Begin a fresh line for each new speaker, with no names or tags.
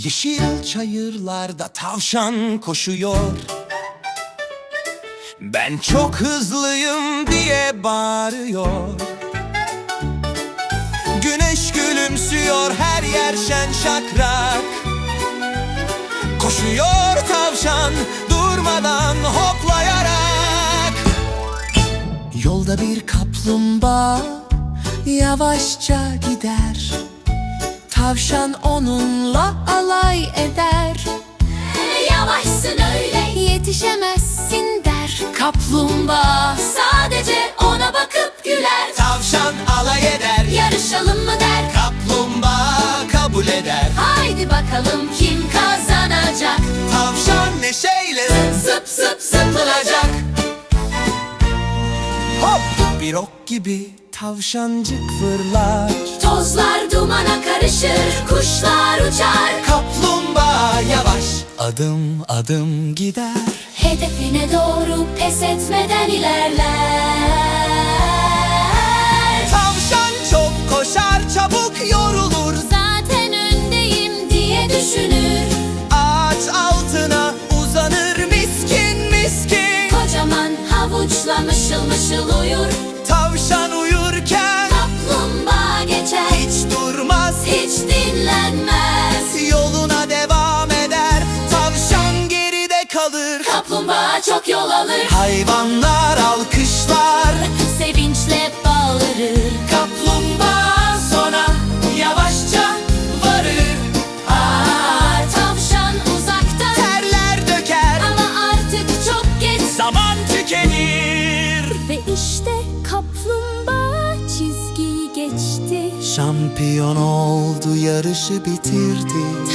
Yeşil çayırlarda tavşan koşuyor. Ben çok hızlıyım diye bağırıyor. Güneş gülümsüyor, her yer şen şakrak. Koşuyor tavşan durmadan hoplayarak. Yolda bir kaplumbağa yavaşça gider. Tavşan onunla alay eder.
Yavaşsın öyle,
Yetişemezsin der.
kaplumbağa sadece ona bakıp güler.
Tavşan alay eder,
Yarışalım mı der,
kaplumbağa kabul eder.
haydi bakalım kim kazanacak.
Tavşan neşeyle
Zıp zıp zıpılacak.
hop, bir ok gibi tavşancık fırlar.
Tozlar dumana karışır, kuşlar uçar.
Kaplumbağa yavaş adım adım gider.
Hedefine doğru pes etmeden ilerler.
Tavşan çok koşar, çabuk yorulur.
Zaten öndeyim diye düşünür.
Ağaç altına uzanır miskin miskin.
Kocaman havuçla mışıl mışıl uyur.
Tavşan uyurken
Kaplumbağa geçer,
hiç durmaz,
hiç dinlenmez.
yoluna devam eder. Tavşan geride kalır.
Kaplumbağa çok yol alır,
Hayvanlar alkışlar.
sevinçle bağırır.
Kaplumbağa sona yavaşça varır.
Tavşan uzakta
Terler döker,
ama artık çok geç.
zaman tükenir.
Ve işte kaplumbağa çizgiyi geçti.
Şampiyon oldu, yarışı bitirdi.